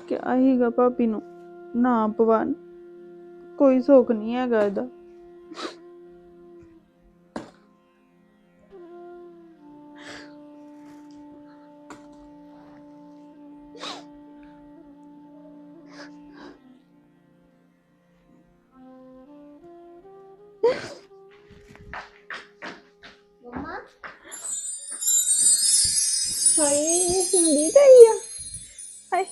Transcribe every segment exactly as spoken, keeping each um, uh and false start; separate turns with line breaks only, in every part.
ਕਿਹਾ ਹੀਗਾ ਭਾਬੀ ਨੂੰ ਨਾ ਪਵਾ, ਕੋਈ ਸੁੱਖ ਨਹੀਂ ਹੈਗਾ ਇਹਦਾ। ਹਾਏ ਸੰਦੀਪ ਆਈ ਆ। ਹਾਏ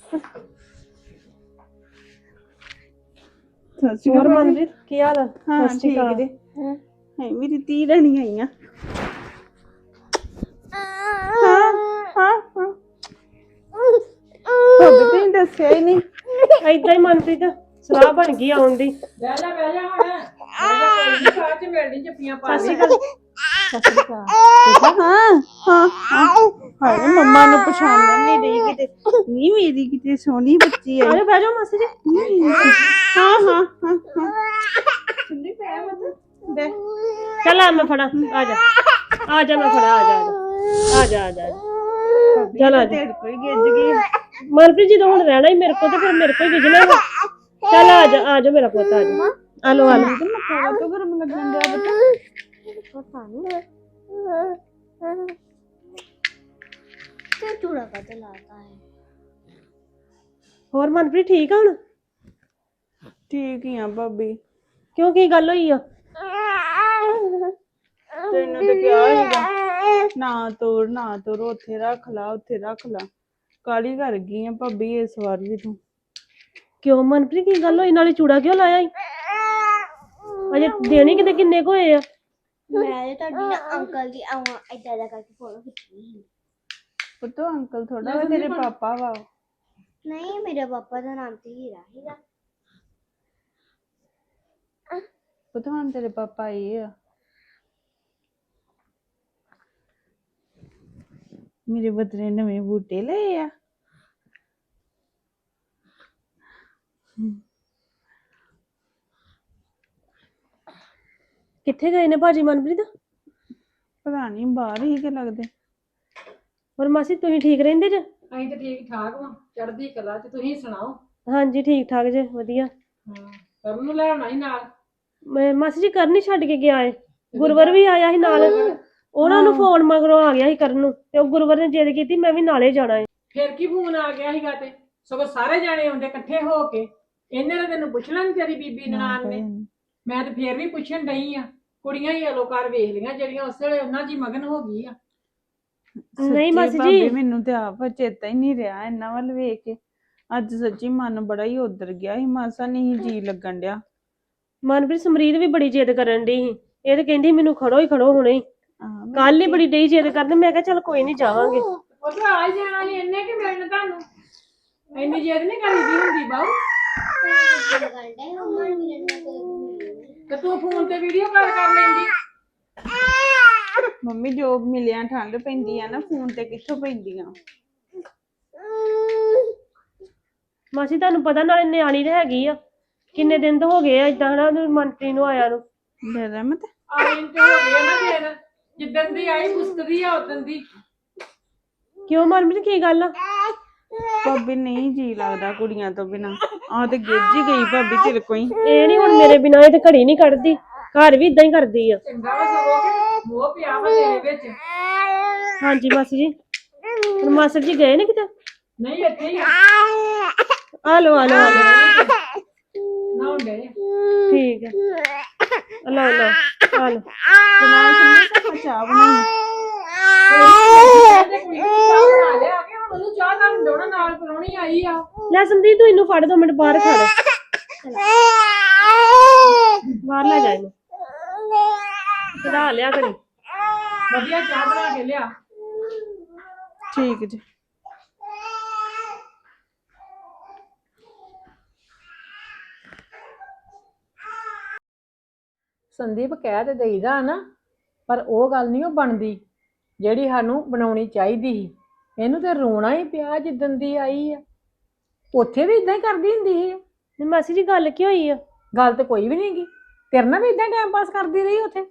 ਸੱਚੀ
ਹੋਰ ਮਨਜੀਤ ਕੀ ਹਾਲ ਆ?
ਹਾਂ ਠੀਕ ਜੀ। ਹਾਏ ਮੇਰੀ ਧੀ ਰਾਣੀ ਆਈ ਆ। ਹਾਂ ਹਾਂ ਹਾਂ ਭਾਬੀ ਤੁਸੀਂ ਦੱਸਿਆ ਹੀ ਨਹੀਂ।
ਏਦਾਂ ਹੀ ਮਨਜੀਤ ਸਲਾਹ ਬਣ ਗਈ ਆਉਣ ਦੀ।
ਬਹਿ ਜਾ ਬਹਿ ਜਾ ਹੁਣ ਬਹਿ ਜਾ, ਕੋਈ ਨੀ ਸਾਹ ਚ ਮਿਲਣੀ ਜੱਫੀਆਂ ਪਾ
ਸਤਿ ਸ਼੍ਰੀ
ਲਈ।
ਅਕਾਲ। ਸਤਿ ਸ਼੍ਰੀ ਅਕਾਲ।
ਹਾਂ ਹਾਂ ਹਾਂ ਹਾਏ ਮੰਮਾ ਨੂੰ ਪਛਾਣਨ ਨਹੀਂ ਰਹੀ ਕਿਤੇ। ਨਹੀਂ ਮੇਰੀ ਕਿਤੇ ਸੋਹਣੀ ਬੱਚੀ ਆਈ।
ਆਜੋ ਬਹਿ ਜਾਓ ਮਾਸੀ ਜੀ।
ਹਾਂ ਹਾਂ ਹਾਂ ਹਾਂ ਸੁਣੀ ਪੈ ਮਤ ਦੇ।
ਚੱਲ ਆ ਮੈਂ ਫੜਾ, ਆ ਜਾ ਆ ਜਾ ਮੈਂ ਫੜਾ, ਆ ਜਾ ਆ ਜਾ ਆ ਜਾ ਚੱਲ ਆ ਜਾ।
ਤੇਰੇ ਕੋਈ ਗਿੱਜ ਗਈ।
ਮਨਪ੍ਰੀਤ ਜੀ ਹੁਣ ਰਹਿਣਾ ਹੀ ਮੇਰੇ ਕੋਲ ਤੇ ਫਿਰ ਮੇਰੇ ਕੋਲ ਹੀ ਗਿਜਣਾ ਵਾ। ਚੱਲ ਆ ਜਾ ਆ ਜਾ ਮੇਰਾ ਪੁੱਤ ਆ ਜਾ। ਆ ਲੋ ਆ ਲੋ।
ਮੱਖਾ ਤੋਂ ਗਰਮ ਲੱਗਣ ਦਿਆ ਬਤਾ।
ਪਤਾ ਨਹੀਂ ਤੇ ਚੂੜਾ ਕਾ ਲਾਤਾ ਹੈ।
ਹੋਰ ਮਨਪ੍ਰੀਤ ਠੀਕ ਆ ਹੁਣ?
ਠੀਕ ਹੀ ਆ ਭਾਬੀ।
ਕਿਉਂ ਕੀ ਗੱਲ ਹੋਈ ਆ?
ਤੈਨੂੰ ਤਾਂ ਕਿਹਾ ਸੀਗਾ ਨਾ ਤੋੜ ਨਾ ਤੋੜ, ਉੱਥੇ ਰੱਖ ਲਾ ਉੱਥੇ ਰੱਖ ਲਾ। ਕਾਲੀ ਕਰ ਗਈ ਆ ਭਾਬੀ ਇਸ ਵਾਰ ਵੀ ਤੂੰ।
ਕਿਉਂ ਮਨਪ੍ਰੀਤ ਕੀ ਗੱਲ ਹੋਈ? ਨਾਲੇ ਚੂੜਾ ਕਿਉਂ ਲਾਇਆ ਈ? ਅਜੇ ਦੇਣੀ ਕਿਤੇ ਕਿੰਨੇ ਕੁ ਹੋਏ ਆ?
ਮੈਂ ਤੁਹਾਡੀ ਨਾ ਅੰਕਲ ਦੀ ਆਵਾਂ ਏਦਾਂ ਦਾ ਕਰਕੇ ਫੋਟੋ ਖਿੱਚਣੀ ਸੀ।
ਪੁੱਤੋ ਅੰਕਲ ਥੋੜਾ ਵਾ, ਤੇਰੇ ਪਾਪਾ ਵਾ।
ਨਹੀਂ ਮੇਰੇ ਪਾਪਾ ਦਾ ਨਾਮ ਤੇ ਹੀਰਾ ਹੀਰਾ।
ਪੁੱਤੋ ਹੁਣ ਤੇਰੇ ਪਾਪਾ ਆਏ ਆ। ਮੇਰੇ ਬਦਲੇ ਨਵੇਂ ਬੂਟੇ ਲਏ ਆ।
ਕਿੱਥੇ ਗਏ ਨੇ ਭਾਜੀ ਮਨਪ੍ਰੀਤ?
ਪਤਾ ਨਹੀਂ ਬਾਹਰ ਹੀ ਕਿ ਲੱਗਦੇ।
ਹੋਰ ਮਾਸੀ ਤੁਸੀਂ ਠੀਕ ਰਹਿੰਦੇ ਜੇ?
ਅਸੀਂ ਤੇ ਠੀਕ ਠਾਕ ਵਾਂ, ਚੜ੍ਹਦੀ ਕਲਾ ਚ। ਤੁਸੀਂ ਸੁਣਾਓ?
ਹਾਂਜੀ ਠੀਕ ਠਾਕ ਜੇ, ਵਧੀਆ।
ਹਾਂ ਕਰਨ ਨੂੰ ਲੈ ਆਉਣਾ ਸੀ ਨਾਲ।
ਮੈਂ ਮਾਸੀ ਜੀ ਕਰਨ ਹੀ ਛੱਡ ਕੇ ਗਿਆ ਏ। ਗੁਰਵਰ ਵੀ ਆਇਆ ਸੀ ਨਾਲ। ਉਹਨਾਂ ਨੂੰ ਫੋਨ ਮਗਰੋਂ ਆ ਗਿਆ ਸੀ ਕਰਨ ਨੂੰ, ਤੇ ਉਹ ਗੁਰਵਰ ਨੇ ਜਿੱਦ ਕੀਤੀ ਮੈਂ ਵੀ ਨਾਲੇ ਜਾਣਾ ਏ।
ਫਿਰ ਕੀ ਫੋਨ ਆ ਗਿਆ ਸੀਗਾ ਤੇ ਸਗੋਂ ਸਾਰੇ ਜਾਣੇ ਆਉਂਦੇ ਇਕੱਠੇ ਹੋ ਕੇ। ਇਹਨੇ ਤਾਂ ਤੈਨੂੰ ਪੁੱਛਣਾ ਨੀ ਤੇਰੀ ਬੀਬੀ ਨਨਾਣ ਨੇ। ਮੈਂ ਤੇ ਫੇਰ ਵੀ ਪੁੱਛਣ ਡਈ ਆ। ਕੁੜੀਆਂ ਹੀ ਅਲੋ ਕਰ ਵੇਖ ਲਈਆਂ ਜਿਹੜੀਆਂ ਉਸ ਵੇਲੇ ਉਹਨਾਂ ਦੀ ਮਗਨ ਹੋ ਗਈ ਆ।
ਨਹੀਂ ਮਾਸੀ
ਭਾਬੀ
ਜੀ
ਮੈਨੂੰ ਤੇ ਆਪ ਚੇਤਾ ਹੀ ਨਹੀਂ ਰਿਹਾ ਇਹਨਾਂ ਵੱਲ ਵੇਖ ਕੇ। ਅੱਜ ਸੱਚੀ ਮਨ ਬੜਾ ਹੀ ਉਧਰ ਗਿਆ ਸੀ, ਮਾਸਾ ਨਹੀਂ ਜੀ ਲੱਗਣ ਡਿਆ।
ਮਨਪ੍ਰੀਤ ਸਮਰੀਤ ਵੀ ਬੜੀ ਜਿੱਦ ਕਰਨ ਡਈ ਸੀ। ਇਹ ਤੇ ਕਹਿੰਦੀ ਮੈਨੂੰ ਖੜੋ ਹੀ ਖੜੋ ਹੁਣੇ ਹੀ। ਕੱਲ ਹੀ ਬੜੀ ਡਈ ਜਿੱਦ ਕਰਦੇ। ਮੈਂ ਕਿਹਾ ਚੱਲ ਕੋਈ ਨੀ ਜਾਵਾਂਗੇ।
ਉਹ ਤਾਂ ਆ ਹੀ ਜਾਣਾ ਸੀ ਇਹਨੇ ਕਿ ਮਿਲਣ ਤੁਹਾਨੂੰ। ਇੰਨੀ ਜਿੱਦ ਨੀ ਕਰੀਦੀ ਹੁੰਦੀ ਬਾਊ। ਤੇ ਤੂੰ ਫੋਨ ਤੇ ਵੀਡੀਓ ਕਾਲ ਕਰ ਲੈਂਦੀ।
ਮੰਮੀ ਜੋ ਮਿਲਿਆ ਠੰਡ ਪੈਂਦੀ ਆ ਨਾ, ਫੋਨ ਤੇ ਕਿੱਥੋਂ ਪੈਂਦੀਆਂ।
ਮਾਸੀ ਤੁਹਾਨੂੰ ਪਤਾ ਨਾਲੇ ਨਿਆਣੀ ਤੇ ਹੈਗੀ ਆ। ਕਿੰਨੇ ਦਿਨ ਤੋਂ ਹੋ ਗਏ ਆ ਏਦਾਂ ਹਨਾ ਮਨਪ੍ਰੀਤ ਨੂੰ ਆਇਆ ਨੂੰ।
ਲੈ ਰਹਿਮਤ
ਆਈ ਤੇ ਹੋ ਗਿਆ ਨਾ ਫਿਰ ਜਿੱਦਣ ਦੀ ਆਈ ਗੁੱਸਦੀ ਆ ਉਦੋਂ ਦੀ।
ਕਿਉਂ ਮਨਪ੍ਰੀਤ ਕੀ ਗੱਲ ਆ?
ਭਾਬੀ ਨਹੀਂ ਜੀ ਲੱਗਦਾ ਕੁੜੀਆਂ ਤੋਂ ਬਿਨਾ। ਆ ਤੇ ਗਿੱਜ ਹੀ ਗਈ ਭਾਬੀ ਤੇਰੇ ਕੋਈ।
ਇਹ ਨੀ ਹੁਣ ਮੇਰੇ ਬਿਨਾਂ ਇਹ ਤੇ ਘੜੀ ਨਹੀਂ ਕੱਢਦੀ। ਘਰ ਵੀ ਇਦਾਂ ਹੀ ਕਰਦੀ ਆ।
ਚੰਗਾ ਵਾ ਸਗੋਂ ਕਿ ਮੋਹ ਪਿਆ ਵਾ ਤੇਰੇ ਵਿੱਚ।
ਹਾਂਜੀ ਮਾਸੀ ਜੀ। ਹੁਣ ਮਾਸਟਰ ਜੀ ਗਏ ਨੇ ਕਿਤੇ?
ਨਹੀਂ ਇੱਥੇ ਹੀ ਆ।
ਆ ਲੋ ਆ ਲੋ ਆ ਲੋ।
ਨਾ ਹੁੰਦੇ
ਠੀਕ ਹੈ। ਲੋ ਲੋ ਆ ਲੋ।
ਬਣਾ ਸਮਝ ਚਾਹ ਬਣਾਈ।
ਬਣਾ ਲਿਆ ਕਿ ਹੁਣ ਉਹਨੂੰ ਚਾਹ ਨਾਲ ਡੋਣਾ ਨਾਲ ਪਰੌਣੀ ਆਈ ਆ।
ਲੈ ਸਮਰੀਤ ਤੂੰ ਇਹਨੂੰ ਫੜ ਦੋ ਮਿੰਟ ਬਾਹਰ ਖਾ ਲੈ। ਬਾਹਰ ਲੈ ਜਾ ਇਹਨੂੰ। ਚੜਾ ਲਿਆ ਕਰੀ।
ਵਧੀਆ ਚਾਹ ਬਣਾ ਕੇ ਲਿਆ।
ਠੀਕ ਜੀ।
ਸੰਦੀਪ ਕਹਿ ਤੇ ਦੇਈਦਾ ਨਾ, ਪਰ ਉਹ ਗੱਲ ਨਹੀਂ ਉਹ ਬਣਦੀ ਜਿਹੜੀ ਸਾਨੂੰ ਬਣਾਉਣੀ ਚਾਹੀਦੀ ਸੀ। ਇਹਨੂੰ ਤੇ ਰੋਣਾ ਹੀ ਪਿਆ ਜਿੱਦਣ ਦੀ ਆਈ ਆ। ਉੱਥੇ ਵੀ ਇਦਾਂ ਹੀ ਕਰਦੀ ਹੁੰਦੀ ਸੀ।
ਨਹੀਂ ਮਾਸੀ ਜੀ ਗੱਲ ਕੀ ਹੋਈ ਆ?
ਗੱਲ ਤੇ ਕੋਈ ਵੀ ਨਹੀਂ ਗੀ। ਤੇਰੇ ਨਾਲ ਵੀ ਇਦਾਂ ਟਾਈਮ ਪਾਸ ਕਰਦੀ ਰਹੀ ਉੱਥੇ।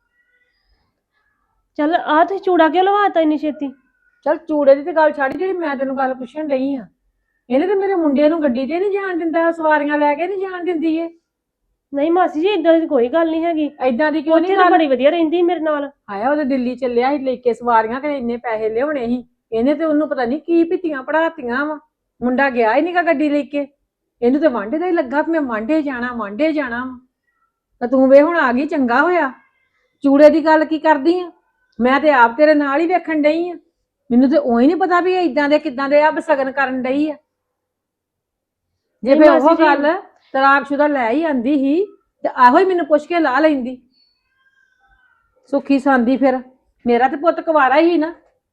ਚੱਲ ਆ ਤੇ ਚੂੜਾ ਕਿਉਂ ਲਵਾਤਾ ਇੰਨੀ ਛੇਤੀ?
ਚੱਲ ਚੂੜੇ ਦੀ ਤੇ ਗੱਲ ਛੱਡ, ਜਿਹੜੀ ਮੈਂ ਤੈਨੂੰ ਗੱਲ ਪੁੱਛਣ ਡਈ ਆ ਇਹਨੇ ਤੇ ਮੇਰੇ ਮੁੰਡੇ ਨੂੰ ਗੱਡੀ ਤੇ ਨਹੀਂ ਜਾਣ ਦਿੰਦਾ, ਸਵਾਰੀਆਂ ਲੈ ਕੇ ਨਹੀਂ ਜਾਣ ਦਿੰਦੀ ਏ।
ਨਹੀਂ ਮਾਸੀ ਜੀ ਇਦਾਂ ਦੀ ਕੋਈ ਗੱਲ ਨਹੀਂ ਹੈਗੀ,
ਐਦਾਂ ਦੀ ਕਿਉਂ
ਉੱਥੇ
ਨਹੀਂ
ਤਾਂ
ਗੱਲ?
ਬੜੀ ਵਧੀਆ ਰਹਿੰਦੀ ਮੇਰੇ ਨਾਲ।
ਆਇਆ ਉਹਦੇ ਦਿੱਲੀ ਚੱਲਿਆ ਸੀ ਲੈ ਕੇ ਸਵਾਰੀਆਂ, ਕਿ ਇੰਨੇ ਪੈਸੇ ਲਿਆਉਣੇ ਸੀ। ਇਹਨੇ ਤੇ ਉਹਨੂੰ ਪਤਾ ਨਹੀਂ ਕੀ ਪਿੱਤੀਆਂ ਪੜਾਤੀਆਂ ਵਾ। ਮੁੰਡਾ ਗਿਆ ਹੀ ਨਹੀਂਗਾ ਗੱਡੀ ਲੈ ਕੇ, ਇਹਨੂੰ ਤੇ ਵਾਂਢੇ ਦਾ ਹੀ ਲੱਗਾ ਕਿ ਮੈਂ ਵਾਂਢੇ ਜਾਣਾ ਵਾਂਢੇ ਜਾਣਾ ਵਾ। ਤਾਂ ਤੂੰ ਵੇ ਹੁਣ ਆ ਗਈ, ਚੰਗਾ ਹੋਇਆ। ਚੂੜੇ ਦੀ ਗੱਲ ਕੀ ਕਰਦੀ ਆ? ਮੈਂ ਤੇ ਆਪ ਤੇਰੇ ਨਾਲ ਹੀ ਵੇਖਣ ਡਈ ਆ। ਮੈਨੂੰ ਤੇ ਉਹੀ ਨਹੀਂ ਪਤਾ ਵੀ ਇਹ ਇਦਾਂ ਦੇ ਕਿਦਾਂ ਦੇ ਆ ਬਸਗਨ ਕਰਨ ਡਈ ਆ। ਜੇ
ਨਹੀਂ
ਫੇ
ਮਾਸੀ
ਉਹ
ਜੀ।
ਗੱਲ ਤਲਾਕਸ਼ੁਦਾ ਲੈ ਹੀ ਆਂਦੀ ਸੀ ਤੇ ਆਹੋ ਹੀ ਮੈਨੂੰ ਪੁੱਛ ਕੇ ਲਾ ਲੈਂਦੀ, ਸੁੱਖੀ ਸਾਂਦੀ। ਫਿਰ ਮੇਰਾ ਤੇ ਪੁੱਤ ਕੁਵਾਰਾ ਹੀ ਨਾ।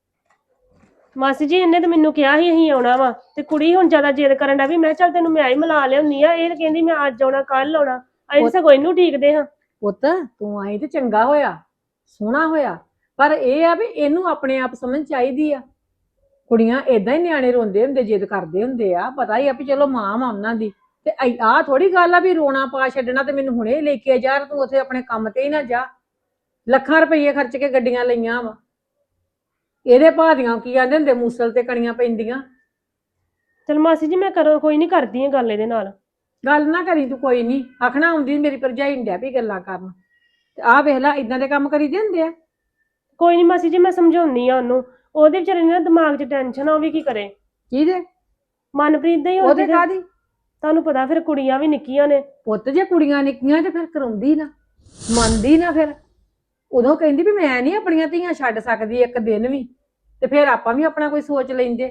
ਮਾਸੀ ਜੀ ਇਹਨੇ ਤੇ ਮੈਨੂੰ ਕਿਹਾ ਸੀ ਅਸੀਂ ਆਉਣਾ ਵਾ, ਤੇ ਕੁੜੀ ਹੁਣ ਜ਼ਿਆਦਾ ਜਿੱਦ ਕਰਨ ਦਾ ਵੀ ਮੈਂ ਚੱਲ ਤੈਨੂੰ ਮੈਂ ਹੀ ਮਿਲਾ ਲਿਆਉਣੀ ਆ। ਇਹ ਕਹਿੰਦੀ ਮੈਂ ਅੱਜ ਆਉਣਾ ਕੱਲ ਆਉਣਾ, ਅਸੀਂ ਸਗੋਂ ਇਹਨੂੰ ਠੀਕਦੇ ਹਾਂ।
ਪੁੱਤ ਤੂੰ ਆਈ ਤੇ ਚੰਗਾ ਹੋਇਆ, ਸੋਹਣਾ ਹੋਇਆ, ਪਰ ਇਹ ਆ ਵੀ ਇਹਨੂੰ ਆਪਣੇ ਆਪ ਸਮਝ ਚਾਹੀਦੀ ਆ। ਕੁੜੀਆਂ ਏਦਾਂ ਹੀ ਨਿਆਣੇ ਰੋਂਦੇ ਹੁੰਦੇ, ਜਿੱਦ ਕਰਦੇ ਹੁੰਦੇ ਆ। ਪਤਾ ਹੀ ਆ ਵੀ ਚਲੋ ਮਾਂ ਵਾ ਉਹਨਾਂ ਦੀ, ਤੇ ਆਹ ਥੋੜੀ ਗੱਲ ਆ ਵੀ ਰੋਣਾ ਪਾ ਛੱਡਣਾ ਤੇ ਮੈਨੂੰ ਹੁਣੇ ਲੈ ਕੇ ਜਾ, ਤੂੰ ਉੱਥੇ ਆਪਣੇ ਕੰਮ ਤੇ ਹੀ ਨਾ ਜਾ। ਲੱਖਾਂ ਰੁਪਈਏ ਖਰਚ ਕੇ ਗੱਡੀਆਂ ਲਈਆਂ ਵਾ। ਇਹਦੇ ਭਾਦੀਆਂ ਕੀ ਆਂਦੇ ਹੁੰਦੇ, ਮੂਸਲ ਤੇ ਕਣੀਆਂ ਪੈਂਦੀਆਂ।
ਚਲ ਮਾਸੀ ਜੀ ਮੈਂ ਕਰੋ ਕੋਈ ਨਹੀਂ ਕਰਦੀ ਆ ਗੱਲ ਇਹਦੇ ਨਾਲ।
ਗੱਲ ਨਾ ਕਰੀ ਤੂੰ, ਕੋਈ ਨਹੀਂ ਆਖਣਾ ਆਉਂਦੀ ਮੇਰੀ ਭਰਜਾਈ ਡਿਆ ਵੀ ਗੱਲਾਂ ਕਰਨ। ਤੇ ਆਹ ਵੇਖ ਲੈ ਇਦਾਂ ਦੇ ਕੰਮ ਕਰੀ ਹੁੰਦੇ ਆ।
ਕੋਈ ਨਹੀਂ ਮਾਸੀ ਜੀ ਮੈਂ ਸਮਝਾਉਣੀ ਆ ਉਹਨੂੰ, ਉਹਦੇ ਵਿਚਾਰੇ ਨੇ ਨਾ ਦਿਮਾਗ 'ਚ ਟੈਨਸ਼ਨ ਆ, ਉਹ ਵੀ ਕੀ ਕਰੇ।
ਕਿਹਦੇ?
ਮਨਪ੍ਰੀਤ ਦੇ ਹੀ
ਉਹਦੇ
ਉਹਦੇ
ਕਾਹਦੀ?
ਤੁਹਾਨੂੰ ਪਤਾ ਫਿਰ ਕੁੜੀਆਂ ਵੀ ਨਿੱਕੀਆਂ ਨੇ।
ਪੁੱਤ ਜੇ ਕੁੜੀਆਂ ਨਿੱਕੀਆਂ ਤੇ ਫਿਰ ਕਰਾਉਂਦੀ ਨਾ, ਮੰਨਦੀ ਨਾ। ਫਿਰ ਉਦੋਂ ਕਹਿੰਦੀ ਵੀ ਮੈਂ ਨਹੀਂ ਆਪਣੀਆਂ ਧੀਆਂ ਛੱਡ ਸਕਦੀ ਇੱਕ ਦਿਨ ਵੀ, ਤੇ ਫਿਰ ਆਪਾਂ ਵੀ ਆਪਣਾ ਕੋਈ ਸੋਚ ਲੈਂਦੇ।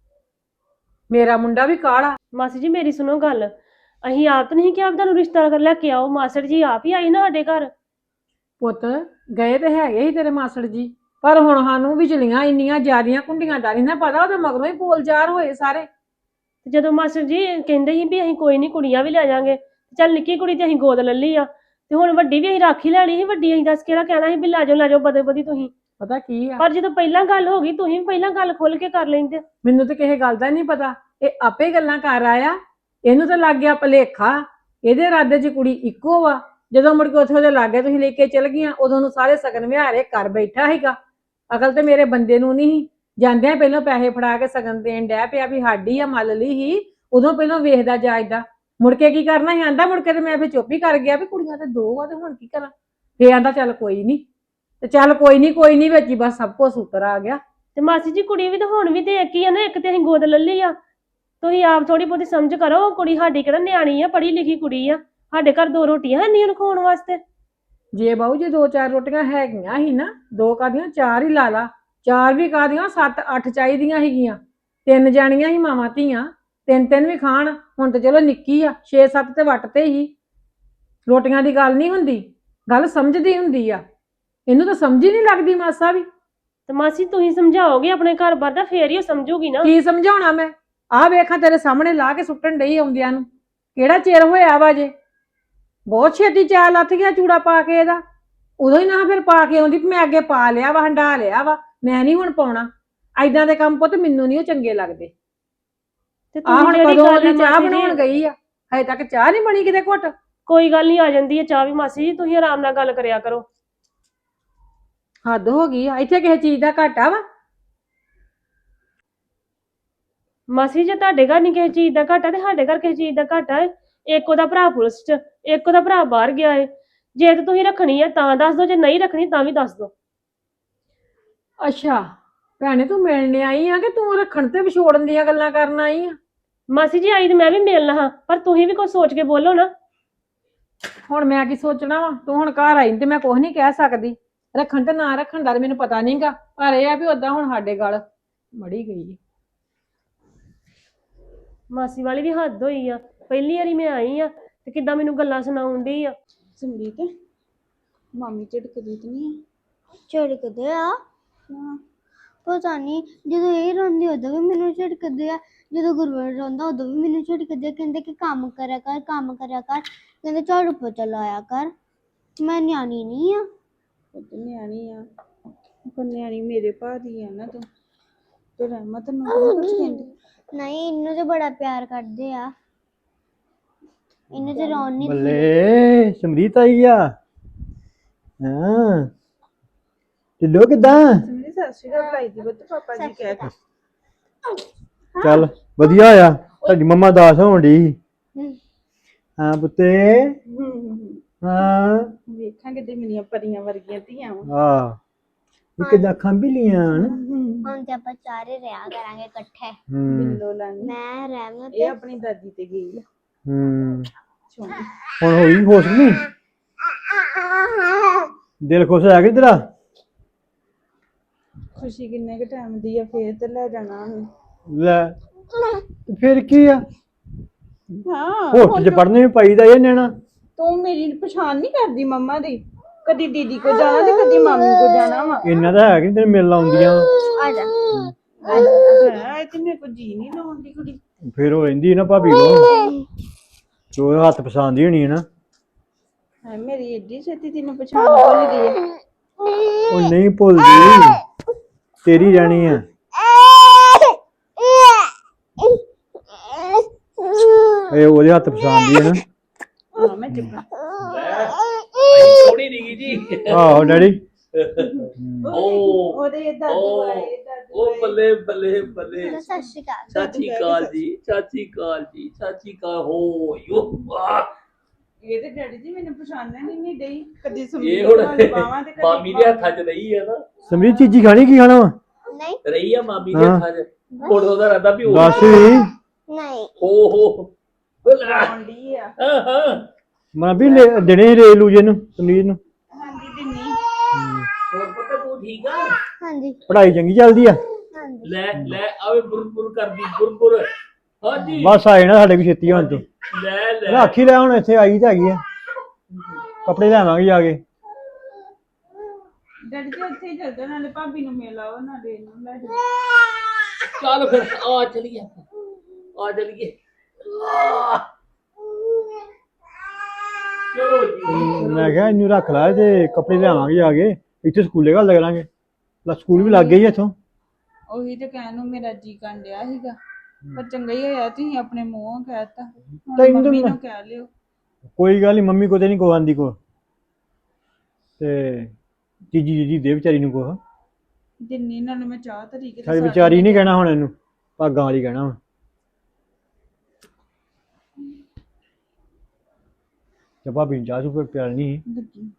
ਮੇਰਾ ਮੁੰਡਾ ਵੀ ਕਾਲਾ।
ਮਾਸੀ ਜੀ ਮੇਰੀ ਸੁਣੋ ਗੱਲ, ਅਸੀਂ ਆਪ ਤਾਂ ਨਹੀਂ ਕਿਹਾ ਵੀ ਤੁਹਾਨੂੰ ਰਿਸ਼ਤਾ ਕਰ ਲੈ ਕੇ ਆਓ, ਮਾਸੜ ਜੀ ਆਪ ਹੀ ਆਈ ਨਾ ਸਾਡੇ ਘਰ।
ਪੁੱਤ ਗਏ ਤੇ ਹੈਗੇ ਸੀ ਤੇਰੇ ਮਾਸੜ ਜੀ, ਪਰ ਹੁਣ ਸਾਨੂੰ ਵਿਚਲੀਆਂ ਇੰਨੀਆਂ ਜ਼ਿਆਦੀਆਂ ਕੁੰਡੀਆਂ ਦਾ ਨਹੀਂ ਨਾ ਪਤਾ, ਉਹਦੇ ਮਗਰੋਂ ਹੀ ਬੋਲਚਾਰ ਹੋਏ ਸਾਰੇ।
ਤੇ ਜਦੋਂ ਮਾਸਟਰ ਜੀ ਕਹਿੰਦੇ ਸੀ ਵੀ ਅਸੀਂ ਕੋਈ ਨਹੀਂ ਕੁੜੀਆਂ ਵੀ ਲੈ ਜਾਾਂਗੇ, ਚੱਲ ਨਿੱਕੀ ਕੁੜੀ ਤੇ ਅਸੀਂ ਗੋਦ ਲੈ ਲਈ ਆ, ਤੇ ਹੁਣ ਵੱਡੀ ਵੀ ਅਸੀਂ ਰਾਖੀ ਲੈਣੀ ਸੀ। ਵੱਡੀ ਅਸੀਂ ਦੱਸ ਕਿਹੜਾ ਕਹਿਣਾ ਸੀ ਵੀ ਲੈ ਜਾਓ ਲੈ ਜਾਓ ਬਦੇ ਬਦੀ ਤੁਸੀਂ।
ਪਤਾ ਕੀ ਆ,
ਪਰ ਜਦੋਂ ਪਹਿਲਾਂ ਗੱਲ ਹੋ ਗਈ ਤੁਸੀਂ ਵੀ ਪਹਿਲਾਂ ਗੱਲ ਖੁੱਲ ਕੇ ਕਰ ਲੈਂਦੇ।
ਮੈਨੂੰ ਤਾਂ ਕਿਸੇ ਗੱਲ ਦਾ ਨਹੀਂ ਪਤਾ, ਇਹ ਆਪੇ ਗੱਲਾਂ ਕਰ ਆਇਆ। ਇਹਨੂੰ ਤਾਂ ਲੱਗ ਗਿਆ ਭਲੇਖਾ, ਇਹਦੇ ਇਰਾਦੇ 'ਚ ਕੁੜੀ ਇੱਕੋ ਵਾ। ਜਦੋਂ ਮੁੜ ਕੇ ਉੱਥੇ ਉਹਦੇ ਲਾਗੇ ਤੁਸੀਂ ਲੈ ਕੇ ਚਲ ਗਈਆਂ, ਉਦੋਂ ਨੂੰ ਸਾਰੇ ਸਗਨ ਵਿਹਾਰੇ ਕਰ ਬੈਠਾ ਸੀਗਾ। ਅਕਲ ਤੇ ਮੇਰੇ ਬੰਦੇ ਨੂੰ ਨਹੀਂ। ਜਾਂਦਿਆਂ ਪਹਿਲਾਂ ਪੈਸੇ ਫੜਾ ਕੇ ਸਗਨ ਦੇਣ ਡਿਆ ਪਿਆ ਵੀ ਸਾਡੀ ਆ ਮੱਲ ਲਈ ਹੀ, ਉਦੋਂ ਪਹਿਲਾਂ ਵੇਖਦਾ ਜਾਇਦਾ। ਮੁੜ ਕੇ ਕੀ ਕਰਨਾ ਸੀ ਆਂਦਾ, ਮੁੜ ਕੇ ਤੇ ਮੈਂ ਫਿਰ ਚੁੱਪ ਹੀ ਕਰ ਗਿਆ ਵੀ ਕੁੜੀਆਂ ਤੇ ਦੋ ਆ ਤੇ ਹੁਣ ਕੀ ਕਰਾਂ। ਫੇਰ ਆਂਦਾ ਚੱਲ ਕੋਈ ਨਹੀਂ, ਤੇ ਚੱਲ ਕੋਈ ਨਹੀਂ ਕੋਈ ਨਹੀਂ, ਵਿੱਚ ਹੀ ਬਸ ਸਭ ਕੁਝ ਉਤਰ ਆ ਗਿਆ।
ਤੇ ਮਾਸੀ ਜੀ ਕੁੜੀ ਵੀ ਤਾਂ ਹੁਣ ਵੀ ਤੇ ਇੱਕ ਹੀ ਆ ਨਾ, ਇੱਕ ਤੇ ਅਸੀਂ ਗੋਦ ਲੈ ਲਈ ਆ। ਤੁਸੀਂ ਆਪ ਥੋੜੀ ਬਹੁਤੀ ਸਮਝ ਕਰੋ, ਕੁੜੀ ਸਾਡੀ ਕਿਹੜਾ ਨਿਆਣੀ ਆ, ਪੜ੍ਹੀ ਲਿਖੀ ਕੁੜੀ ਆ। ਸਾਡੇ ਘਰ ਦੋ ਰੋਟੀਆਂ ਨਹੀਂ ਉਹਨੂੰ ਖਾਣ ਵਾਸਤੇ।
ਜੇ ਬਾਊ ਜੇ ਦੋ ਚਾਰ ਰੋਟੀਆਂ ਹੈਗੀਆਂ ਸੀ ਨਾ, ਦੋ ਕਾਦੀਆਂ ਚਾਰ ਹੀ ਲਾ ਲਾ, ਚਾਰ ਵੀ ਕਾਦੀਆਂ ਸੱਤ ਅੱਠ ਚਾਹੀਦੀਆਂ ਸੀਗੀਆਂ। ਤਿੰਨ ਜਾਣੀਆਂ ਸੀ ਮਾਵਾਂ ਧੀਆਂ, ਤਿੰਨ ਤਿੰਨ ਵੀ ਖਾਣ। ਹੁਣ ਤੇ ਚਲੋ ਨਿੱਕੀ ਆ, ਛੇ ਸੱਤ ਤੇ ਵੱਟ ਤੇ ਹੀ। ਰੋਟੀਆਂ ਦੀ ਗੱਲ ਨਹੀਂ ਹੁੰਦੀ, ਗੱਲ ਸਮਝਦੀ ਹੁੰਦੀ ਆ। ਇਹਨੂੰ ਤਾਂ ਸਮਝ ਹੀ ਨਹੀਂ ਲੱਗਦੀ ਮਾਸਾ ਵੀ।
ਤੇ ਮਾਸੀ ਤੁਸੀਂ ਸਮਝਾਓਗੇ ਆਪਣੇ ਘਰ ਬਾਰ ਦਾ, ਫੇਰ ਹੀ ਉਹ ਸਮਝੂਗੀ ਨਾ।
ਕੀ ਸਮਝਾਉਣਾ ਮੈਂ? ਆਹ ਵੇਖਾਂ ਤੇਰੇ ਸਾਹਮਣੇ ਲਾ ਕੇ ਸੁੱਟਣ ਡਈ ਆਉਂਦਿਆਂ ਨੂੰ, ਕਿਹੜਾ ਚਿਰ ਹੋਇਆ ਵਾ ਜੇ। ਬਹੁਤ ਛੇਤੀ ਚਾਲ ਲੱਥ ਗਿਆ ਚੂੜਾ ਪਾ ਕੇ ਇਹਦਾ। ਉਦੋਂ ਹੀ ਨਾ ਫਿਰ ਪਾ ਕੇ ਆਉਂਦੀ ਵੀ ਮੈਂ ਅੱਗੇ ਪਾ ਲਿਆ ਵਾ, ਹੰਡਾ ਲਿਆ ਵਾ, ਮੈਂ ਨਹੀਂ ਹੁਣ ਪਾਉਣਾ। ਐਦਾਂ ਦੇ ਕੰਮ ਪੁੱਤ ਮੈਨੂੰ ਨਹੀਂ ਉਹ ਚੰਗੇ ਲੱਗਦੇ।
ਤੇ
ਆਹ ਹੁਣ
ਤੁਸੀਂ ਜਿਹੜੀ
ਕਦੋਂ
ਗੱਲ
ਦੀ ਚਾਹ
ਮਾਸੀ ਜੀ-
ਬਣਾਉਣ ਗਈ ਆ, ਹਜੇ ਤੱਕ ਚਾਹ ਨਹੀਂ ਬਣੀ ਕਿਤੇ ਘੁੱਟ।
ਕੋਈ ਗੱਲ ਨਹੀਂ, ਆ ਜਾਂਦੀ ਹੈ ਚਾਹ ਵੀ ਮਾਸੀ ਜੀ, ਤੁਸੀਂ ਆਰਾਮ ਨਾਲ ਗੱਲ ਕਰਿਆ ਕਰੋ।
ਹੱਦ ਹੋ ਗਈ ਆ, ਇੱਥੇ ਕਿਸੇ ਚੀਜ਼ ਦਾ ਘਾਟਾ ਵਾ।
ਮਾਸੀ ਜੇ ਤੁਹਾਡੇ ਘਰ ਨਹੀਂ ਕਿਸੇ ਚੀਜ਼ ਦਾ ਘਾਟਾ, ਤੇ ਸਾਡੇ ਘਰ ਕਿਸੇ ਚੀਜ਼ ਦਾ ਘਾਟਾ ਹੈ। ਇੱਕ ਉਹਦਾ ਭਰਾ ਪੁਲਿਸ 'ਚ, ਇੱਕ ਉਹਦਾ ਭਰਾ ਬਾਹਰ ਗਿਆ ਹੈ। ਜੇ ਤੇ ਤੁਸੀਂ ਰੱਖਣੀ ਹੈ ਤਾਂ ਦੱਸ ਦਿਓ, ਜੇ ਨਹੀਂ ਰੱਖਣੀ ਤਾਂ ਵੀ ਦੱਸ ਦਿਓ।
ਅੱਛਾ ਭੈਣੇ ਤੂੰ ਮਿਲਣ ਆਈ ਆ ਕਿ ਤੂੰ ਰੱਖਣ ਤੇ ਵਿਛੋੜਨ ਦੀਆਂ ਗੱਲਾਂ ਕਰਨ ਆਈ ਆ?
ਮਾਸੀ ਜੀ ਆਈ ਤੇ ਮੈਂ ਵੀ ਮਿਲਣਾ ਹਾਂ, ਪਰ ਤੁਸੀਂ ਵੀ ਕੁਝ ਸੋਚ ਕੇ ਬੋਲੋ ਨਾ।
ਹੁਣ ਮੈਂ ਕੀ ਸੋਚਣਾ ਵਾ? ਤੂੰ ਹੁਣ ਘਰ ਆਈ ਤੇ ਮੈਂ ਕੁਝ ਨਹੀਂ ਕਹਿ ਸਕਦੀ। ਰੱਖਣ ਤੇ ਨਾ ਰੱਖਣ ਦਾ ਮੈਨੂੰ ਪਤਾ ਨਹੀਂਗਾ, ਪਰ ਇਹ ਆ ਵੀ ਓਦਾਂ ਹੁਣ ਸਾਡੇ ਗੱਲ ਮੜੀ ਗਈ।
ਮਾਸੀ ਵਾਲੀ ਵੀ ਹੱਦ ਹੋਈ ਆ, ਪਹਿਲੀ ਵਾਰੀ ਮੈਂ ਆਈ ਆ ਤੇ ਕਿੱਦਾਂ ਮੈਨੂੰ ਗੱਲਾਂ ਸੁਣਾਉਣ ਡਈ ਆ।
ਸੰਦੀਪ ਮਾਮੀ ਝਿੜਕਦੀ ਤੇ ਨਹੀਂ ਆ?
ਝਿੜਕਦੇ ਆ ਪਤਾ ਨਹੀਂ, ਜਦੋਂ ਇਹ ਰੋਂਦੀ ਉਦੋਂ ਵੀ ਮੈਨੂੰ ਝਿੜਕਦੇ ਆ, ਜਦੋਂ ਗੁਰਵਰ ਰੋਂਦਾ ਉਦੋਂ ਵੀ ਮੈਨੂੰ ਝਿੜਕਦੇ ਆ। ਕਹਿੰਦੇ ਕਿ ਕੰਮ ਕਰਿਆ ਕਰ, ਕੰਮ ਕਰਿਆ ਕਰ, ਕਹਿੰਦੇ ਝਾੜੂ ਪੋਚਾ ਲਾਇਆ ਕਰ। ਮੈਂ ਨਿਆਣੀ ਨਹੀਂ ਆ।
ਪੁੱਤ ਨਿਆਣੀ ਆ, ਪਰ ਨਿਆਣੀ ਮੇਰੇ ਭਾ ਦੀ ਆ ਨਾ ਤੂੰ, ਤੇ ਰਹਿਮਤ ਨੂੰ ਕਿਹੜਾ ਕੁਛ ਕਹਿੰਦੀ।
ਨਹੀਂ, ਇਹਨੂੰ ਤੇ ਬੜਾ ਪਿਆਰ ਕਰਦੇ ਆ, ਇਹਨੂੰ ਤੇ ਰੋਣ ਨਹੀਂ ਦਿੰਦੇ।
ਬੱਲੇ ਸਮਰੀਤ ਆਈ ਆ। ਹਾਂ ਢਿੱਲੋ ਕਿੱਦਾਂ?
ਸੰਦੀਪ ਸਤਿ ਸ਼੍ਰੀ ਅਕਾਲ ਬੁਲਾਈ ਦੀ ਪੁੱਤ, ਪਾਪਾ ਜੀ ਕਹਿ ਕੇ।
ਚੱਲ ਵਧੀਆ ਆ। ਤੁਹਾਡੀ ਮੰਮਾ ਦਾਸ ਹੋਣ ਡਈ ਸੀ।
ਹਮ,
ਹਾਂ ਪੁੱਤੇ ਹਾਂ
ਵੇਖਾਂਗੇ ਤੇ ਮੇਰੀਆਂ ਪਰੀਆਂ ਵਰਗੀਆਂ ਧੀਆਂ ਵਾ।
ਆ ਇਹ ਕਿਦਾਂ ਖੰਭੀਲੀਆਂ ਹਨ।
ਹੁਣ ਤੇ ਆਪਾਂ ਚਾਰੇ ਰਿਹਾ ਕਰਾਂਗੇ ਇਕੱਠੇ।
ਹੂੰ
ਬਿੱਲੋ ਲੈਣੀ
ਮੈਂ ਰਹਿਮਤ
ਇਹ ਆਪਣੀ ਦਾਦੀ ਤੇ ਗਈ ਆ
ਹੂੰ
ਸੋਹਣੀ।
ਹੁਣ ਹੋਈ ਖੁਸ਼ ਨਹੀਂ ਦਿਲ ਖੁਸ਼ ਹੋਇਆ ਕਿ ਤੇਰਾ
ਖੁਸ਼ੀ ਕਿੰਨੇ ਕੁ ਟਾਈਮ ਦੀ ਆ, ਫੇਰ ਤੇ ਲੈ ਜਾਣਾ ਉਹਨੂੰ।
ਲੈ ਤੇ ਫਿਰ ਕੀ ਆ
ਹਾਂ
ਹੋਸਟਲ ਚ ਪੜ੍ਹਨੇ ਵੀ ਪਾਈਦਾ ਇਹ ਨਿਆਣਾ।
ਤੂੰ ਮੇਰੀ ਪਛਾਣ ਨਹੀਂ ਕਰਦੀ ਮੰਮਾ ਦੀ, ਕਦੀ ਦੀਦੀ ਕੋ ਜਾਣਾ ਤੇ ਕਦੀ ਮਾਮੀ ਕੋ ਜਾਣਾ ਵਾ।
ਇੰਨਾ ਤਾਂ ਹੈ ਕਿ ਤੈਨੂੰ ਮਿਲਣ ਆਉਂਦੀਆਂ
ਆ ਜਾ।
ਹੈ ਤੇ ਮੇਰੇ ਕੋ ਜੀ ਨਹੀਂ ਲਾਉਂਦੀ ਕੁੜੀ।
ਫਿਰ ਉਹ ਰਹਿੰਦੀ ਨਾ ਭਾਬੀ ਕੋਲ ਜੋ ਹੱਥ ਪਛਾਣਦੀ ਹੋਣੀ ਹੈ ਨਾ।
ਹੈ ਮੇਰੀ ਏਡੀ ਛੇਤੀ ਤੈਨੂੰ ਪਛਾਣ ਭੁੱਲ ਗਈ ਆ।
ਉਹ ਨਹੀਂ ਭੁੱਲਦੀ ਤੇਰੀ ਰਹਿਣੀ ਆ। ਇਹ ਉਹਦੇ ਹੱਥ ਪਛਾਣਦੀ ਹੈ ਨਾ।
ਹਾਂ ਮੈਂ ਚੁੱਪ
ਥੋੜੀ ਨਹੀਂ ਜੀ।
ਆਹੋ ਡੈਡੀ
ਉਹ
ਉਹਦੇ ਦਾਦੂ ਆਏ ਦਾਦੂ
ਉਹ ਬੱਲੇ ਬੱਲੇ ਬੱਲੇ।
ਸਤਿ ਸ਼੍ਰੀ ਅਕਾਲ।
ਸਤਿ ਸ਼੍ਰੀ ਅਕਾਲ ਜੀ, ਸਤਿ ਸ਼੍ਰੀ ਅਕਾਲ ਜੀ, ਸਤਿ ਸ਼੍ਰੀ ਅਕਾਲ ਹੋ ਯੋ ਆ।
ਇਹ ਤੇ ਡੈਡੀ ਜੀ ਮੈਨੂੰ ਪਛਾਣਨ ਹੀ ਨਹੀਂ ਡਈ, ਕਦੀ
ਇਹ
ਸਮਝੀ
ਹੁਣ
ਬਾਵਾਂ ਤੇ ਕਦੀ
ਮਾਮੀ ਦੇ ਹੱਥਾਂ 'ਚ ਰਹੀ ਹੈ ਨਾ,
ਸਮਰੀ ਚੀਜ਼ੀ ਖਾਣੀ ਕੀ ਖਾਣਾ ਵਾ
ਨਹੀਂ
ਰਹੀ ਆ ਮਾਮੀ ਦੇ
ਹਾਂ।
ਹੱਥਾਂ 'ਚ। ਹੁਣ ਉਹਦਾ ਰਹਿੰਦਾ ਵੀ ਉਹ
ਦੱਸ ਵੀ
ਨਹੀਂ
ਹੋ ਹੋ
ਆਉਂਦੀ ਆ।
ਹਾਂ ਹਾਂ।
ਮੈਂ ਵੀ ਲੈ- ਦੇਣੇ ਸੀ ਰੇ ਲੂਜੇ ਨੂੰ ਸਮਰੀਤ ਨੂੰ।
ਹਾਂਜੀ ਦਿੰਨੀ
ਹੋਰ ਪਤਾ ਤੂੰ ਠੀਕ ਆ?
ਹਾਂਜੀ
ਪੜ੍ਹਾਈ ਚੰਗੀ ਚੱਲਦੀ ਆ।
ਹਾਂਜੀ
ਲੈ ਲੈ ਆਵੇ ਬੁਰਬੁਰ ਕਰਦੀ ਬੁਰਬੁਰ। ਹਾਂਜੀ
ਬਸ ਆਏ ਨਾ ਸਾਡੇ ਵੀ ਛੇਤੀ ਹੁਣ ਤੂੰ
ਲੈ ਲੈ
ਰਾਖੀ ਲੈ ਹੁਣ ਇੱਥੇ ਆਈ ਤਾਂ ਹੈਗੀ ਆ ਕੱਪੜੇ ਲੈਵਾਂਗੇ ਜਾ ਕੇ।
ਡੈਡੀ ਜੀ ਉੱਥੇ ਹੀ ਚੱਲ ਜਾ, ਨਾਲੇ ਭਾਬੀ ਨੂੰ ਮਿਲ ਆਓ ਨਾਲੇ ਇਹਨੂੰ ਲੈ ਜਾਓ।
ਚੱਲ ਫਿਰ ਆ ਚਲੀਏ ਆ ਚਲੀਏ। ਆਹ। ਚਲੋ ਜੀ
ਮੈਂ ਕਿਹਾ ਇਹਨੂੰ ਰੱਖ ਲੈ ਤੇ ਕੱਪੜੇ ਲਿਆਵਾਂਗੇ ਜਾ ਕੇ ਇੱਥੇ ਸਕੂਲੇ ਘੱਲ ਕਰਾਂਗੇ। ਲਾ ਸਕੂਲ ਵੀ ਲੱਗ ਗਈ ਇੱਥੋਂ।
ਉਹੀ ਤੇ ਕਹਿਣ ਨੂੰ ਮੇਰਾ ਜੀ ਕਰਨ ਡਿਆ ਸੀਗਾ, ਪਰ ਚੰਗਾ ਹੀ ਹੋਇਆ ਤੁਸੀਂ ਆਪਣੇ ਮੂੰਹੋਂ ਕਹਿਤਾ। ਹੁਣ
ਤੈਨੂੰ
ਮੰਮੀ
ਮੈਂ-
ਨੂੰ ਕਹਿ ਲਿਓ।
ਕੋਈ ਗੱਲ ਨਹੀਂ ਮੰਮੀ ਕੋ ਤੇ ਨਹੀਂ ਕੋ ਆਂਦੀ ਕੋ ਤੇ ਜੀਜੀ ਜੀਜੀ ਦੇ ਵਿਚਾਰੀ ਨੂੰ ਕੋ
ਦਿੰਨੀ ਨਾਲ ਮੈਂ ਚਾਹ ਤਰੀਕੇ
ਸਾਡੀ ਵਿਚਾਰੀ ਨਹੀਂ ਕਹਿਣਾ ਹੁਣ ਇਹਨੂੰ ਭਾਗਾਂ ਵਾਲੀ ਕਹਿਣਾ ਵਾ। ਤੇ ਭਾਬੀ ਨੂੰ ਚਾਹ ਚੁੱਪ ਪਿਆਲਣੀ
ਲੱਗੀ।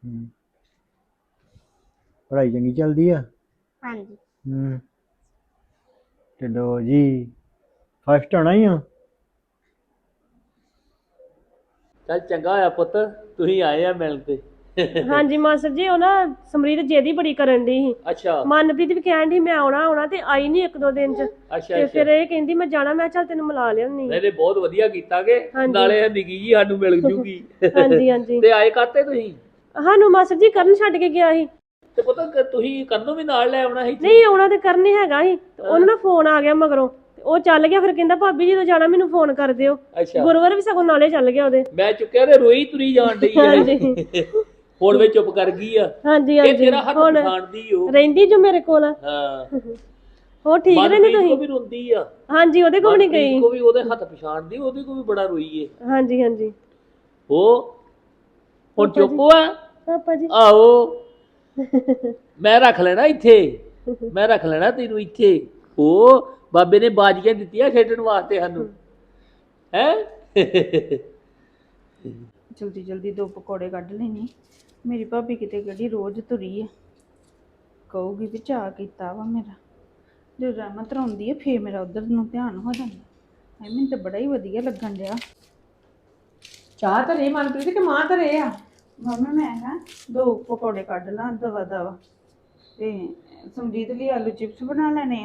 ਪੜ੍ਹਾਈ ਚੰਗੀ ਚੱਲਦੀ ਆ।
ਹਾਂਜੀ
ਹੂੰ ਤੇ ਲੋ ਜੀ ਫਸਟ ਆਉਣਾ ਹੀ ਆ।
ਚੱਲ ਚੰਗਾ ਹੋਇਆ ਪੁੱਤ ਤੁਸੀਂ ਆਏ ਆ ਮਿਲਣ ਤੇ।
ਹਾਂਜੀ ਮਾਸਟਰ ਜੀ ਉਹ ਨਾ ਸਮਰੀਤ ਜਿਹਦੀ ਬੜੀ ਕਰਨ ਦੀ ਸੀ।
ਅੱਛਾ
ਮਨਪ੍ਰੀਤ ਵੀ ਕਹਿਣ ਦੀ ਮੈਂ ਆਉਣਾ ਆਉਣਾ ਤੇ ਆਈ ਨਹੀਂ ਇੱਕ ਦੋ ਦਿਨ ਚ।
ਅੱਛਾ
ਤੇ
ਅੱਛਾ।
ਫਿਰ ਇਹ ਕਹਿੰਦੀ ਮੈਂ ਜਾਣਾ, ਮੈਂ ਚੱਲ ਤੈਨੂੰ ਮਿਲਾ ਲਿਆਉਣੀ।
ਨਹੀਂ ਨਹੀਂ ਬਹੁਤ ਵਧੀਆ ਕੀਤਾ ਕਿ
ਹਾਂਜੀ।
ਨਾਲੇ ਨਿੱਕੀ ਜੀ ਸਾਨੂੰ ਮਿਲ ਜੂਗੀ।
ਹਾਂਜੀ ਹਾਂਜੀ
ਤੇ ਆਏ ਕਾਤੇ ਤੁਸੀਂ?
ਸਾਨੂੰ ਮਾਸਟਰ ਜੀ ਕਰਨ ਛੱਡ ਕੇ ਗਿਆ ਸੀ।
ਤੇ ਪਤਾ ਕਿ ਤੁਸੀਂ ਕੰਨੋਂ ਵੀ ਨਾਲ ਲੈ ਆਉਣਾ ਸੀ।
ਨਹੀਂ ਆਉਣਾ ਤੇ ਕਰਨ ਹੀ ਹੈਗਾ ਸੀ ਤੇ ਉਹਨੂੰ ਨਾ ਫੋਨ ਆ ਗਿਆ ਮਗਰੋਂ ਤੇ ਉਹ ਚੱਲ ਗਿਆ। ਫਿਰ ਕਹਿੰਦਾ ਭਾਬੀ ਜਦੋਂ ਜਾਣਾ ਮੈਨੂੰ ਫੋਨ ਕਰ ਦਿਓ।
ਅੱਛਾ
ਗੁਰੂਵਾਰ ਵੀ ਸਗੋਂ ਨਾਲੇ ਚੱਲ ਗਿਆ ਉਹਦੇ।
ਮੈਂ ਚੁੱਕਿਆ ਤੇ ਰੋਈ ਤੁਰੀ ਜਾਣ ਡਈ
ਹਾਂਜੀ
ਹੈ। ਹੁਣ ਵੇ ਚੁੱਪ ਕਰ ਗਈ ਆ।
ਹਾਂਜੀ
ਇਹ
ਹਾਂਜੀ
ਤੇਰਾ ਹੱਥ
ਹੁਣ
ਪਛਾਣਦੀ ਓ।
ਰਹਿੰਦੀ ਜੋ ਮੇਰੇ ਕੋਲ।
ਹਾਂ
ਹੋਰ ਠੀਕ ਰਹਿੰਦੇ
ਮਨਪ੍ਰੀਤ ਕੋ
ਤੁਸੀਂ?
ਵੀ ਰੋਂਦੀ ਆ।
ਹਾਂਜੀ ਉਹਦੇ ਕੋਲ ਨਹੀਂ
ਮਨਪ੍ਰੀਤ
ਗਈ।
ਕੋ ਵੀ ਉਹਦੇ ਹੱਥ ਪਛਾਣਦੀ, ਉਹਦੇ ਕੋ ਵੀ ਬੜਾ ਰੋਈ ਏ।
ਹਾਂਜੀ ਹਾਂਜੀ
ਉਹ ਹੁਣ
ਪਾਪਾ ਜੀ।
ਚੁੱਪ ਆ।
ਪਾਪਾ ਜੀ
ਆਹੋ ਮੈਂ ਰੱਖ ਲੈਣਾ ਇੱਥੇ, ਮੈਂ ਰੱਖ ਲੈਣਾ ਤੈਨੂੰ ਇੱਥੇ। ਉਹ ਬਾਬੇ ਨੇ ਬਾਜੀਆਂ ਦਿੱਤੀਆਂ ਖੇਡਣ ਵਾਸਤੇ ਸਾਨੂੰ ਹੈ।
ਜਲਦੀ ਜਲਦੀ ਦੋ ਪਕੌੜੇ ਕੱਢ ਲੈਣੀ। ਮੇਰੀ ਭਾਬੀ ਕਿਤੇ ਕਿਹੜੀ ਰੋਜ਼ ਤੁਰੀ ਆ, ਕਹੂਗੀ ਵੀ ਚਾਹ ਕੀਤਾ ਵਾ ਮੇਰਾ। ਜਦੋਂ ਰਹਿਮਤ ਆਉਂਦੀ ਹੈ ਫੇਰ ਮੇਰਾ ਉਧਰ ਨੂੰ ਧਿਆਨ ਹੋ ਜਾਂਦਾ। ਐ ਮੈਨੂੰ ਤਾਂ ਬੜਾ ਹੀ ਵਧੀਆ ਲੱਗਣ ਡਿਆ।
ਚਾਹ ਧਰੇ ਮਨਪ੍ਰੀਤ ਕਿ ਮਾਂ ਧਰੇ ਆ?
ਮੰਮੀ ਮੈਂ ਨਾ ਦੋ ਪਕੌੜੇ ਕੱਢ ਲਾਂ ਦਵਾ ਦਵਾ, ਤੇ ਸਮਰੀਤ ਲਈ ਆਲੂ ਚਿਪਸ ਬਣਾ ਲੈਣੇ ਆ।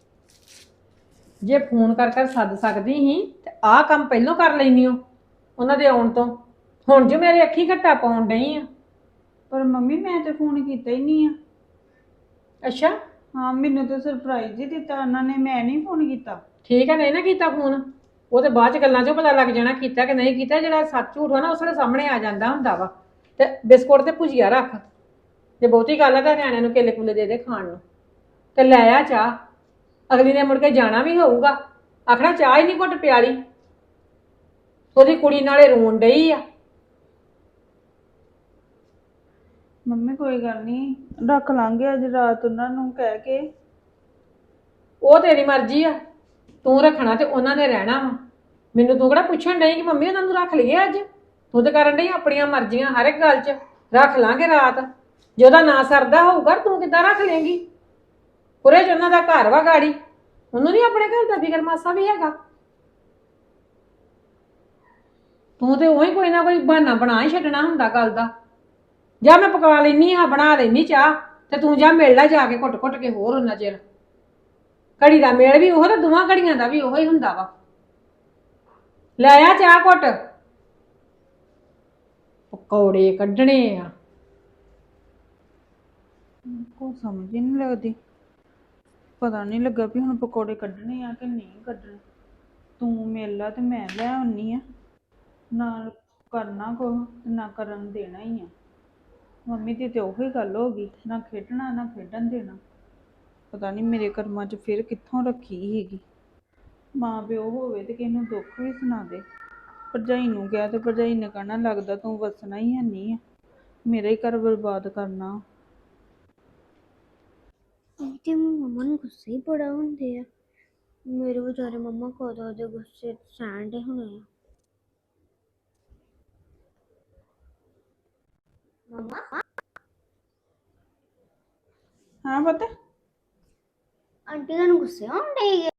ਜੇ ਫੋਨ ਕਰ ਕਰ ਸੱਦ ਸਕਦੀ ਸੀ ਤੇ ਆਹ ਕੰਮ ਪਹਿਲਾਂ ਕਰ ਲੈਣੀ ਹੋ ਉਹਨਾਂ ਦੇ ਆਉਣ ਤੋਂ। ਹੁਣ ਜੋ ਮੇਰੇ ਅੱਖੀ ਘੱਟਾ ਪਾਉਣ ਡਈ ਆ।
ਪਰ ਮੰਮੀ ਮੈਂ ਤੇ ਫੋਨ ਕੀਤਾ ਹੀ ਨਹੀਂ ਆ।
ਅੱਛਾ
ਹਾਂ ਮੈਨੂੰ ਤਾਂ ਸਰਪ੍ਰਾਈਜ਼ ਹੀ ਦਿੱਤਾ ਉਹਨਾਂ ਨੇ, ਮੈਂ ਨਹੀਂ ਫੋਨ ਕੀਤਾ।
ਠੀਕ ਹੈ, ਨਹੀਂ ਨਾ ਕੀਤਾ ਫੋਨ। ਉਹ ਤੇ ਬਾਅਦ ਚ ਗੱਲਾਂ ਚੋਂ ਪਤਾ ਲੱਗ ਜਾਣਾ ਕੀਤਾ ਕਿ ਨਹੀਂ ਕੀਤਾ। ਜਿਹੜਾ ਸੱਚ ਝੂਠ ਆ ਨਾ ਉਸ ਵੇਲੇ ਸਾਹਮਣੇ ਆ ਜਾਂਦਾ ਹੁੰਦਾ ਵਾ। ਤੇ ਬਿਸਕੁਟ ਤੇ ਭੁਜੀਆ ਰੱਖ, ਜੇ ਬਹੁਤੀ ਗੱਲ ਆ ਤਾਂ ਨਿਆਣਿਆਂ ਨੂੰ ਕੇਲੇ ਕੁਲੇ ਦੇ ਦੇ ਖਾਣ ਨੂੰ। ਤੇ ਲੈ ਆ ਚਾਹ, ਅਗਲੀ ਨੇ ਮੁੜ ਕੇ ਜਾਣਾ ਵੀ ਹੋਊਗਾ, ਆਖਣਾ ਚਾਹ ਹੀ ਨਹੀਂ ਘੁੱਟ ਪਿਆਲੀ। ਉਹਦੀ ਕੁੜੀ ਨਾਲੇ ਰੋਣ ਡਈ ਆ।
ਮੰਮੀ ਕੋਈ ਗੱਲ ਨਹੀਂ, ਰੱਖ ਲਾਂਗੇ ਅੱਜ ਰਾਤ ਉਹਨਾਂ ਨੂੰ ਕਹਿ ਕੇ।
ਉਹ ਤੇਰੀ ਮਰਜ਼ੀ ਆ, ਤੂੰ ਰੱਖਣਾ ਤੇ ਉਹਨਾਂ ਨੇ ਰਹਿਣਾ ਵਾ। ਮੈਨੂੰ ਤੂੰ ਕਿਹੜਾ ਪੁੱਛਣ ਡਈ ਕਿ ਮੰਮੀ ਉਹਨਾਂ ਨੂੰ ਰੱਖ ਲਈਏ ਅੱਜ? ਤੂੰ ਤਾਂ ਕਰਨ ਡਈ ਆਪਣੀਆਂ ਮਰਜ਼ੀਆਂ ਹਰ ਇੱਕ ਗੱਲ 'ਚ। ਰੱਖ ਲਾਂਗੇ ਰਾਤ, ਜੇ ਉਹਦਾ ਨਾ ਸਰਦਾ ਹੋਊਗਾ ਤੂੰ ਕਿੱਦਾਂ ਰੱਖ ਲੇਂਗੀ? ਪੁਰੇ 'ਚ ਉਹਨਾਂ ਦਾ ਘਰ ਵਾ ਗਾੜੀ, ਉਹਨੂੰ ਨਹੀਂ ਆਪਣੇ ਘਰ ਦਾ ਫਿਕਰ ਮਾਸਾ ਵੀ ਹੈਗਾ। ਤੂੰ ਤੇ ਉਹੀ ਕੋਈ ਨਾ ਕੋਈ ਬਹਾਨਾ ਬਣਾ ਹੀ ਛੱਡਣਾ ਹੁੰਦਾ ਗੱਲ ਦਾ। ਜਾਂ ਮੈਂ ਪਕਾ ਲੈਨੀ ਆ, ਬਣਾ ਲੈਨੀ ਚਾਹ, ਤੇ ਤੂੰ ਜਾ ਮਿਲ ਲੈ ਜਾ ਕੇ ਘੁੱਟ ਘੁੱਟ ਕੇ ਹੋਰ ਉਹਨਾਂ ਚਿਰ। ਘੜੀ ਦਾ ਮੇਲ ਵੀ ਉਹ ਤੇ ਦੋਵਾਂ ਘੜੀਆਂ ਦਾ ਵੀ ਉਹੋ ਹੀ ਹੁੰਦਾ ਵਾ। ਲੈ ਆ ਚਾਹ ਘੁੱਟ। ਪਕੌੜੇ ਕੱਢਣੇ ਆ।
ਕੋ ਸਮਝ ਹੀ ਨਹੀਂ ਲੱਗਦੀ, ਪਤਾ ਨਹੀਂ ਲੱਗਾ ਵੀ ਹੁਣ ਪਕੌੜੇ ਕੱਢਣੇ ਆ ਕਿ ਨਹੀਂ ਕੱਢਣੇ। ਤੂੰ ਮਿਲ ਲਾ ਤੇ ਮੈਂ ਲੈ ਆਉਣੀ ਆ, ਨਾ ਕਰਨਾ ਕੁਛ ਤੇ ਨਾ ਕਰਨ ਦੇਣਾ ਹੀ ਆ। ਮੰਮੀ ਦੀ ਤੇ ਉਹੀ ਗੱਲ ਹੋ ਗਈ, ਨਾ ਖੇਡਣਾ ਨਾ ਖੇਡਣ ਦੇਣਾ। ਪਤਾ ਨਹੀਂ ਮੇਰੇ ਕਰਮਾਂ 'ਚ ਫਿਰ ਕਿੱਥੋਂ ਰੱਖੀ ਸੀਗੀ। ਮਾਂ ਪਿਓ ਹੋਵੇ ਤੇ ਕਿਸੇ ਨੂੰ ਦੁੱਖ ਵੀ ਸੁਣਾ ਦੇ। ਭਰਜਾਈ ਨੂੰ ਕਿਹਾ ਤੇ ਭਰਜਾਈ ਨੇ ਕਹਿਣਾ ਲੱਗਦਾ ਤੂੰ ਵਸਣਾ ਹੀ ਹੈਨੀ ਆ, ਮੇਰਾ ਹੀ ਘਰ ਬਰਬਾਦ ਕਰਨਾ।
ਤੇ ਮੰਮਾ ਨੂੰ ਗੁੱਸੇ ਹੀ ਬੜਾ ਹੁੰਦੇ ਆ। ਮੇਰੇ ਵਿਚਾਰੇ ਮੰਮਾ ਕਦੋਂ ਦੇ ਗੁੱਸੇ ਸਹਿਣ ਦੇ ਹੋਣੇ ਆ। ਮੰਮਾ
ਹਾਂ ਪਤਾ
ਆਂਟੀ ਤੁਹਾਨੂੰ ਗੁੱਸੇ ਹੋਣ ਡਈ